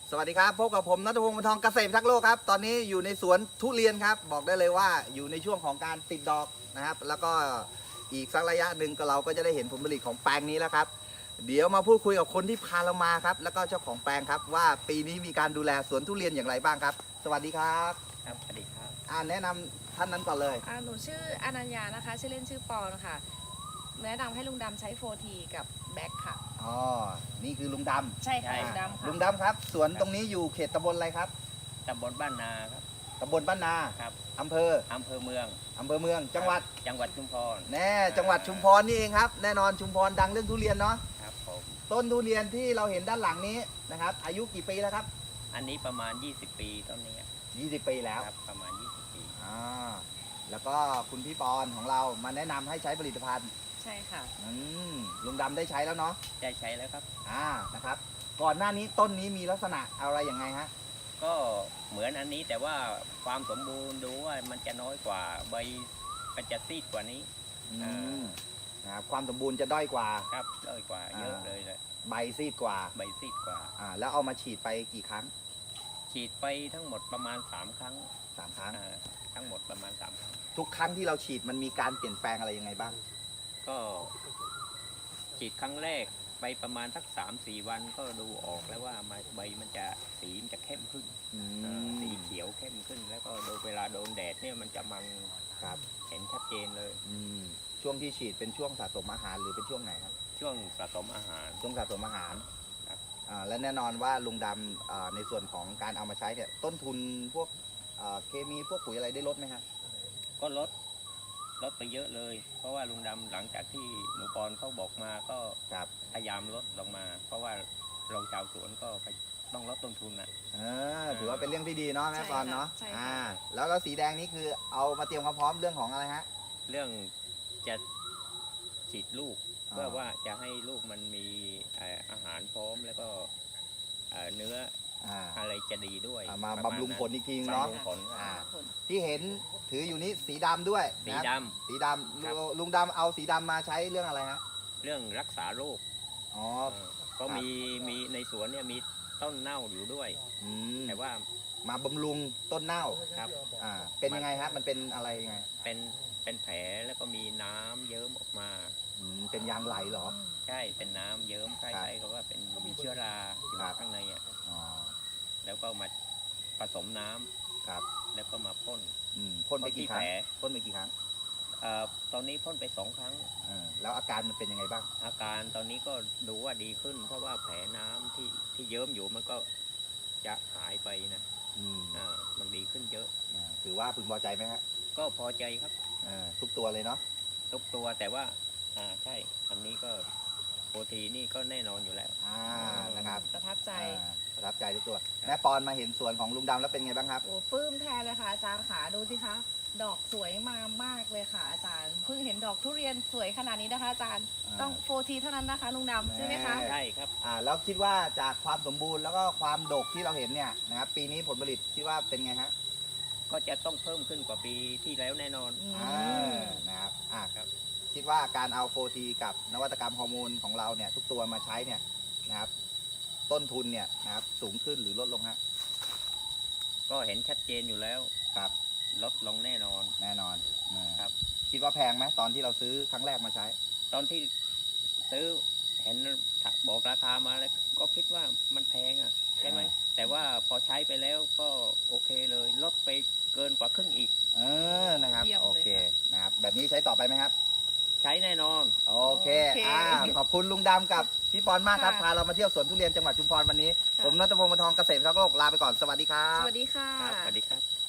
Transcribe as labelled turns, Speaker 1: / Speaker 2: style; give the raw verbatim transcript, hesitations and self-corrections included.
Speaker 1: สวัสดีครับพบกับผมณัฐพงศ์ บรรทองเกษตรทักษ์โลกครับตอนนี้อยู่ในสวนทุเรียนครับบอกได้เลยว่าอยู่ในช่วงของการติดดอกนะครับแล้วก็อีกสักระยะหนึ่งก็เราก็จะได้เห็นผลผลิตของแปลงนี้แล้วครับเดี๋ยวมาพูดคุยกับคนที่พาเรามาครับแล้วก็เจ้าของแปลงครับว่าปีนี้มีการดูแลสวนทุเรียนอย่างไรบ้างครับสวัสดีครับ
Speaker 2: ครับสวัสดีครับ
Speaker 1: อ่าแนะนำท่านนั้นก่อนเลย
Speaker 3: อ่าหนูชื่ออนัญญานะคะชื่อเล่นชื่อปอนค่ะแนะนำให้ลุงดำใช้โฟทีกับแบ็คค่ะ
Speaker 1: อ๋อนี่คือลุงดำ
Speaker 3: ใช่ค่ะลุงดำค่ะ
Speaker 1: ลุงดำครับสวนตรงนี้อยู่เขตตำบลอะไรครับ
Speaker 2: ตำบลบ้านนาครับ
Speaker 1: ตำบลบ้านนา
Speaker 2: ครับ
Speaker 1: อำเภอ
Speaker 2: อำเภอเมือง
Speaker 1: อำเภอเมืองจังหวัด
Speaker 2: จังหวัดชุมพร
Speaker 1: แน่จังหวัดชุมพรนี่เองครับแน่นอนชุมพรดังเรื่องทุเรียนเนาะ
Speaker 2: ครับผม
Speaker 1: ต้นทุเรียนที่เราเห็นด้านหลังนี้นะครับอายุกี่ปีแล้วครับ
Speaker 2: อันนี้ประมาณยี่สิบปีต้นนี้
Speaker 1: ยี่สิบปีแล้ว
Speaker 2: ครับประมาณยี่สิบปี
Speaker 1: อ่าแล้วก็คุณพี่ปอนของเรามาแนะนำให้ใช้ผลิตภัณฑ์
Speaker 3: ใช่ค่ะ
Speaker 1: อืมลุงดำได้ใช้แล้วเนาะ
Speaker 2: ได้ใช้แล้วครับ
Speaker 1: อ่านะครับก่อนหน้านี้ต้นนี้มีลักษณะอะไรยังไงฮะ
Speaker 2: ก็เหมือนอันนี้แต่ว่าความสมบูรณ์ดูว่ามันจะน้อยกว่าใบมันจะซีดกว่านี้
Speaker 1: อืมนะครับความสมบูรณ์จะด้อยกว่า
Speaker 2: ครับด้อยกว่าเยอะเลยเลย
Speaker 1: ใบซีดกว่า
Speaker 2: ใบซีดกว่า
Speaker 1: อ่าแล้วเอามาฉีดไปกี่ครั้ง
Speaker 2: ฉีดไปทั้งหมดประมาณสามครั้ง
Speaker 1: สามครั้ง
Speaker 2: ทั้งหมดประมาณสามครั้ง
Speaker 1: ทุกครั้งที่เราฉีดมันมีการเปลี่ยนแปลงอะไรยังไงบ้าง
Speaker 2: ก็ฉีดครั้งแรกไปประมาณสักสามสี่วันก็ดูออกแล้วว่าใบมันจะสีมันจะเข้มขึ้นสีเขียวเข้มขึ้นแล้วก็โดยเวลาโดนแดดเนี่ยมันจะมัน
Speaker 1: ครับ
Speaker 2: เห็นชัดเจนเลย
Speaker 1: ช่วงที่ฉีดเป็นช่วงสะสมอาหารหรือเป็นช่วงไหนครับ
Speaker 2: ช่วงสะสมอาหาร
Speaker 1: ช่วงสะสมอาหารครับและแน่นอนว่าลุงดำในส่วนของการเอามาใช้เนี่ยต้นทุนพวกเคมีพวกปุ๋ยอะไรได้ลดไหมครับ
Speaker 2: ก็ลดลดไปเยอะเลยเพราะว่าลุงดำหลังจากที่หนูปอนเขาบอกมาก็พยายามลดลงมา เพราะว่าเราชาวสวนก็ต้องลดต้นทุนอ่ะ
Speaker 1: ถือว่าเป็นเรื่องที่ดีเนาะแม่ปอนเนาะอ่าแล้วแล้วสีแดงนี้คือเอามาเตรียมความพร้อมเรื่องของอะไรฮะ
Speaker 2: เรื่องจะฉีดลูกเพื่อว่าจะให้ลูกมันมีอาหารพร้อมแล้วก็เนื้ออะไรจะดีด้วย
Speaker 1: มาบำรุงผลอีกทีเนาะที่เห็นถืออยู่นี้สีดำด้วย
Speaker 2: สีดำ
Speaker 1: สีดำลุงดำเอาสีดำมาใช้เรื่องอะไรฮะ
Speaker 2: เรื่องรักษาโรค
Speaker 1: อ๋อ
Speaker 2: ก็มีมีในสวนเนี่ยมีต้นเน่าอยู่ด้วยแต่ว่า
Speaker 1: มาบำรุงต้นเน่า
Speaker 2: ครับ
Speaker 1: อ่าเป็นยังไงฮะมันเป็นอะไรยังไง
Speaker 2: เป็นเป็นแผลแล้วก็มีน้ำเยิ้มออกมา
Speaker 1: เป็นยางไหลเหรอ
Speaker 2: ใช่เป็นน้ำเยิ้มคล้ายๆกับว่าเป็นมีเชื้อราอยู่ข้างในอ่ะแล้วก็มาผสมน้ำ
Speaker 1: ครับ
Speaker 2: แล้วก็มาพ่น
Speaker 1: พ่นไปกี่ครั้งพ่นไปกี่ครั้ง
Speaker 2: ตอนนี้พ่นไปสองครั้ง
Speaker 1: แล้วอาการมันเป็นยังไงบ้าง
Speaker 2: อาการตอนนี้ก็ดูว่าดีขึ้นเพราะว่าแผลน้ำที่ที่เยิ้มอยู่มันก็จะหายไปนะอ่ามันดีขึ้นเยอะ
Speaker 1: ถือว่าพึงพอใจไหมฮะ
Speaker 2: ก็พอใจครับ
Speaker 1: ทุกตัวเลยเนาะ
Speaker 2: ทุกตัวแต่ว่าอ่าใช่อันนี้ก็โปรตีนนี่ก็แน่นอนอยู่แล้ว
Speaker 1: อ่านะครับ
Speaker 3: ประทับใจ
Speaker 1: ประทับใจทุกตัวแม่ปอนมาเห็นสวนของลุงดำแล้วเป็นไงบ้างครับ
Speaker 3: โอ้ปลื้มแทนเลยค่ะอาจารย์ขาดูสิคะดอกสวยมามากเลยค่ะอาจารย์เพิ่งเห็นดอกทุเรียนสวยขนาดนี้นะคะอาจารย์ต้องโฟทีเท่านั้นนะคะลุงดำใช่ไหมคะ
Speaker 2: ใช่ครับ
Speaker 1: อ่าแล้วคิดว่าจากความสมบูรณ์แล้วก็ความดกที่เราเห็นเนี่ยนะครับปีนี้ผลผลิตคิดว่าเป็นไงฮะ
Speaker 2: ก็จะต้องเพิ่มขึ้นกว่าปีที่แล้วแน่นอน
Speaker 1: อ่านะครับอ่าครับคิดว่าการเอาโฟทีกับนวัตกรรมฮอร์โมนของเราเนี่ยทุกตัวมาใช้เนี่ยนะครับต้นทุนเนี่ยนะครับสูงขึ้นหรือลดลงฮะ
Speaker 2: ก็เห็นชัดเจนอยู่แล้ว
Speaker 1: ครับ
Speaker 2: ลดลงแน่นอน
Speaker 1: แน่นอน
Speaker 2: ครับ
Speaker 1: คิดว่าแพงไหมตอนที่เราซื้อครั้งแรกมาใช้
Speaker 2: ตอนที่ซื้อเห็นบอกราคามาแล้วก็คิดว่ามันแพงอ่ะใช่ไหมแต่ว่าพอใช้ไปแล้วก็โอเคเลยลดไปเกินกว่าครึ่งอีก
Speaker 1: เออนะครับโอเคนะครับแบบนี้ใช้ต่อไปไหมครับ
Speaker 2: ใช้แน่นอน
Speaker 1: โอเคอ่าขอบคุณลุงดำกับพี่ปอนมากครับพาเรามาเที่ยวสวนทุเรียนจังหวัดชุมพรวันนี้ผมณัฐพงศ์ บรรทองเกษตรทักษ์โลกลาไปก่อนสวัสดีครับ
Speaker 3: สวัสดีค่ะ
Speaker 2: สวัสดีครับ